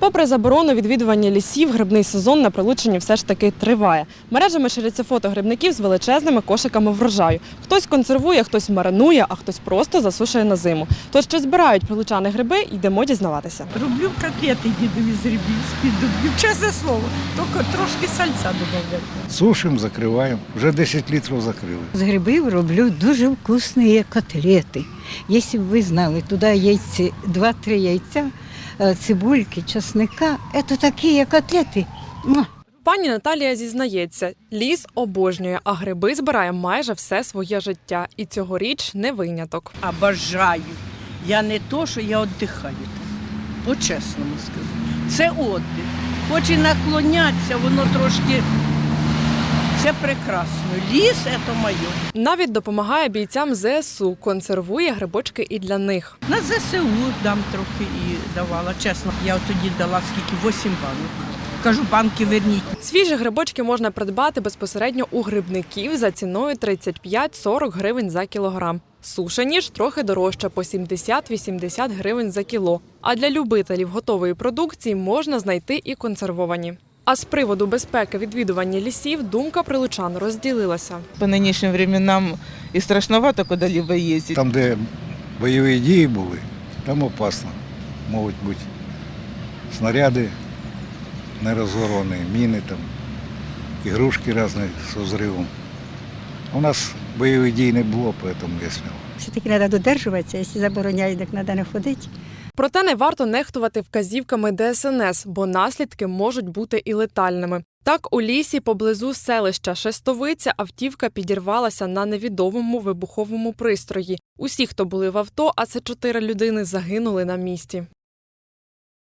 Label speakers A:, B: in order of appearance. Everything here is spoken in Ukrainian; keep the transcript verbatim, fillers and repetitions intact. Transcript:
A: Попри заборону відвідування лісів, грибний сезон на Прилуччині все ж таки триває. Мережами ширяться фото грибників з величезними кошиками врожаю. Хтось консервує, хтось маринує, а хтось просто засушує на зиму. Тож, чи збирають прилучани гриби, йдемо дізнаватися.
B: Роблю котлети дідові з грибів, з-під дубів. Чесне слово, тільки трошки сальця додаю.
C: Сушимо, закриваємо. Вже десять літрів закрили.
D: З грибів роблю дуже вкусні котлети. Якщо б ви знали, туди яйці, два-три яйця, цибульки, чесника. Це такі котлети.
A: Пані Наталія зізнається, ліс обожнює, а гриби збирає майже все своє життя. І цьогоріч не виняток.
B: Обожаю. Я не то, що я віддихаю. По-чесному скажу. Це віддих. Хоч і наклонятися, воно трошки... Це прекрасно. Ліс – це моє.
A: Навіть допомагає бійцям зе ес у, консервує грибочки і для них.
B: На зе се у дам трохи і давала. Чесно, я тоді дала скільки? Вісім банок. Кажу, банки верніть.
A: Свіжі грибочки можна придбати безпосередньо у грибників за ціною тридцять п'ять - сорок гривень за кілограм. Сушені ж трохи дорожче – по сімдесят - вісімдесят гривень за кіло. А для любителів готової продукції можна знайти і консервовані. А з приводу безпеки відвідування лісів думка прилучан розділилася.
E: По нинішнім временам і страшновато куди-либо їздити.
C: Там, де бойові дії були, там опасно. Можуть бути снаряди нерозгоровані, міни, там, ігрушки різні з взривом. У нас бойових дій не було, тому я сміло.
D: Все-таки треба додержуватися, якщо забороняють, так треба не ходити.
A: Проте не варто нехтувати вказівками де ес ен ес, бо наслідки можуть бути і летальними. Так, у лісі поблизу селища Шестовиця автівка підірвалася на невідомому вибуховому пристрої. Усі, хто були в авто, а це чотири людини, загинули на місці.